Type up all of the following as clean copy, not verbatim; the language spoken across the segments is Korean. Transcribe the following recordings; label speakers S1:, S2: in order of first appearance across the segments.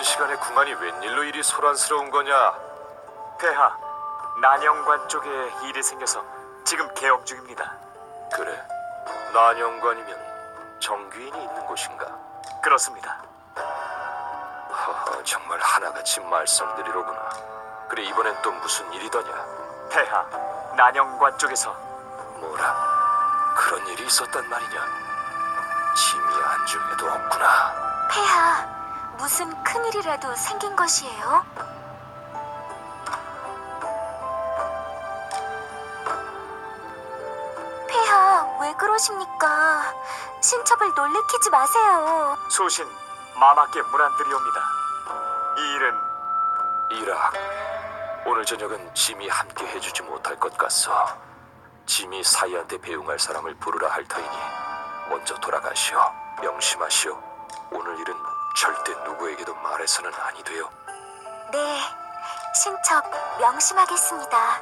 S1: 시간에 궁안이 웬일로 이리 소란스러운 거냐?
S2: 폐하, 난영관 쪽에 일이 생겨서 지금 개업 중입니다.
S1: 그래, 난영관이면 정귀인이 있는 곳인가?
S2: 그렇습니다.
S1: 허허, 정말 하나같이 말썽들이로구나. 그래, 이번엔 또 무슨 일이더냐?
S2: 폐하, 난영관 쪽에서
S1: 뭐라? 그런 일이 있었단 말이냐? 짐이 안중에도 없구나.
S3: 폐하, 무슨 큰일이라도 생긴 것이에요? 폐하, 왜 그러십니까? 신첩을 놀래키지 마세요.
S2: 소신 마마께 문안드리옵니다. 이 일은
S1: 이락, 오늘 저녁은 짐이 함께 해주지 못할 것 같소. 짐이 사이한테 배웅할 사람을 부르라 할 터이니 먼저 돌아가시오. 명심하시오. 오늘 일은 절대 누구에게도 말해서는 아니 돼요.
S3: 네, 신첩 명심하겠습니다.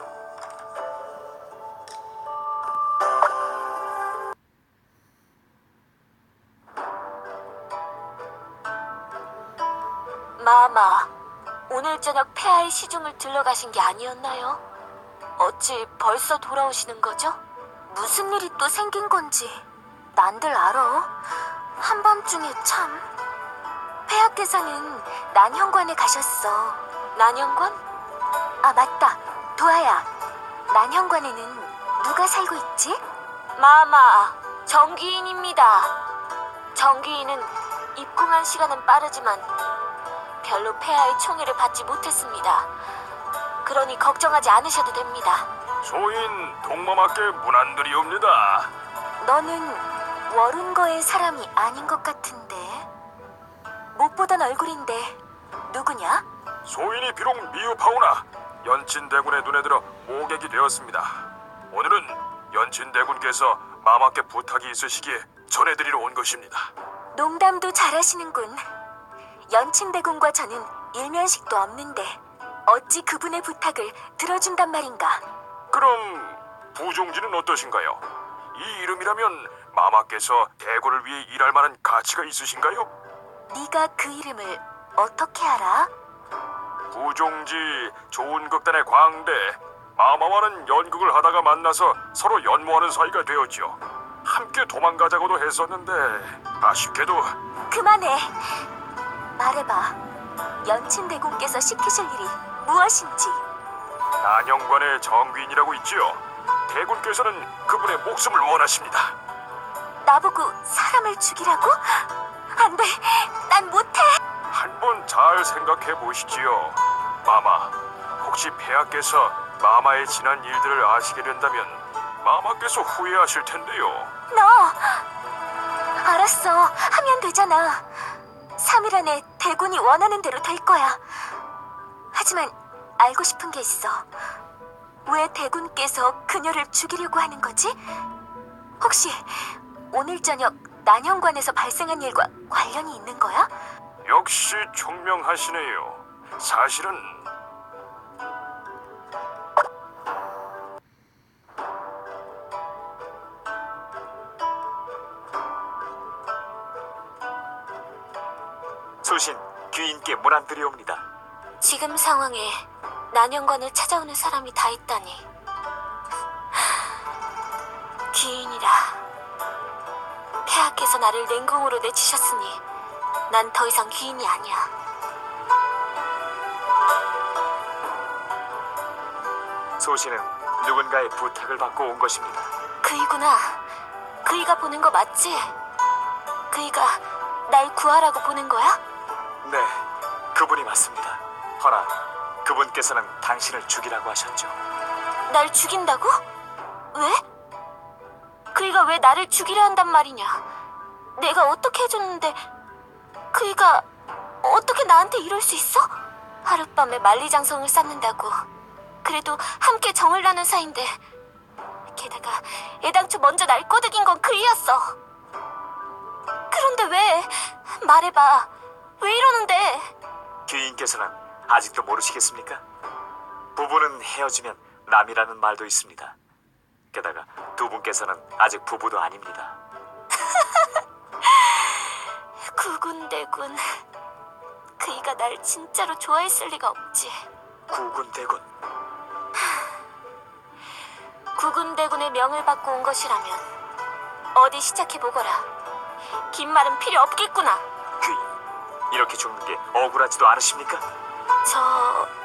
S3: 마마, 오늘 저녁 폐하의 시중을 들러가신 게 아니었나요? 어찌 벌써 돌아오시는 거죠? 무슨 일이 또 생긴 건지 난들 알아. 한밤중에 참. 폐하께서는 난현관에 가셨어. 난현관? 아, 맞다. 도아야, 난현관에는 누가 살고 있지? 마마, 정귀인입니다. 정귀인은 입궁한 시간은 빠르지만 별로 폐하의 총애를 받지 못했습니다. 그러니 걱정하지 않으셔도 됩니다.
S1: 소인 동마마께 문안드리옵니다.
S3: 너는 월운거의 사람이 아닌 것 같은데. 못 보던 얼굴인데 누구냐?
S1: 소인이 비록 미흡하오나 연친대군의 눈에 들어 모객이 되었습니다. 오늘은 연친대군께서 마마께 부탁이 있으시기에 전해드리러 온 것입니다.
S3: 농담도 잘하시는군. 연친대군과 저는 일면식도 없는데 어찌 그분의 부탁을 들어준단 말인가?
S1: 그럼 부종지는 어떠신가요? 이 이름이라면 마마께서 대군을 위해 일할 만한 가치가 있으신가요?
S3: 네가 그 이름을 어떻게 알아?
S1: 부종지 좋은 극단의 광대, 마마와는 연극을 하다가 만나서 서로 연모하는 사이가 되었죠. 함께 도망가자고도 했었는데 아쉽게도
S3: 그만해. 말해봐. 연친대군께서 시키실 일이 무엇인지.
S1: 난영관의 정귀인이라고 있지요. 대군께서는 그분의 목숨을 원하십니다.
S3: 나보고 사람을 죽이라고? 안 돼. 난 못해.
S1: 한번 잘 생각해 보시지요. 마마, 혹시 폐하께서 마마의 지난 일들을 아시게 된다면 마마께서 후회하실 텐데요.
S3: 너! 알았어. 하면 되잖아. 3일 안에 대군이 원하는 대로 될 거야. 하지만 알고 싶은 게 있어. 왜 대군께서 그녀를 죽이려고 하는 거지? 혹시 오늘 저녁 난현관에서 발생한 일과 관련이 있는 거야?
S1: 역시 총명하시네요. 사실은
S2: 소신 귀인께 문안드리옵니다.
S3: 지금 상황에 난현관을 찾아오는 사람이 다 있다니. 귀인이라. 폐하께서 나를 냉궁으로 내치셨으니 난 더 이상 귀인이 아니야.
S2: 소신은 누군가의 부탁을 받고 온 것입니다.
S3: 그이구나. 그이가 보는 거 맞지? 그이가 날 구하라고 보는 거야?
S2: 네, 그분이 맞습니다. 허나 그분께서는 당신을 죽이라고 하셨죠.
S3: 날 죽인다고? 왜? 그이가 왜 나를 죽이려 한단 말이냐? 내가 어떻게 해줬는데 그이가 어떻게 나한테 이럴 수 있어? 하룻밤에 만리장성을 쌓는다고. 그래도 함께 정을 나눈 사이인데. 게다가 애당초 먼저 날 꼬드긴 건 그이였어. 그런데 왜? 말해봐. 왜 이러는데?
S2: 귀인께서는 아직도 모르시겠습니까? 부부는 헤어지면 남이라는 말도 있습니다. 게다가 두 분께서는 아직 부부도 아닙니다.
S3: 구군대군. 그이가 날 진짜로 좋아했을 리가 없지.
S2: 구군대군.
S3: 구군대군의 명을 받고 온 것이라면 어디 시작해보거라. 긴 말은 필요 없겠구나.
S2: 귀, 이렇게 죽는 게 억울하지도 않으십니까?
S3: 저...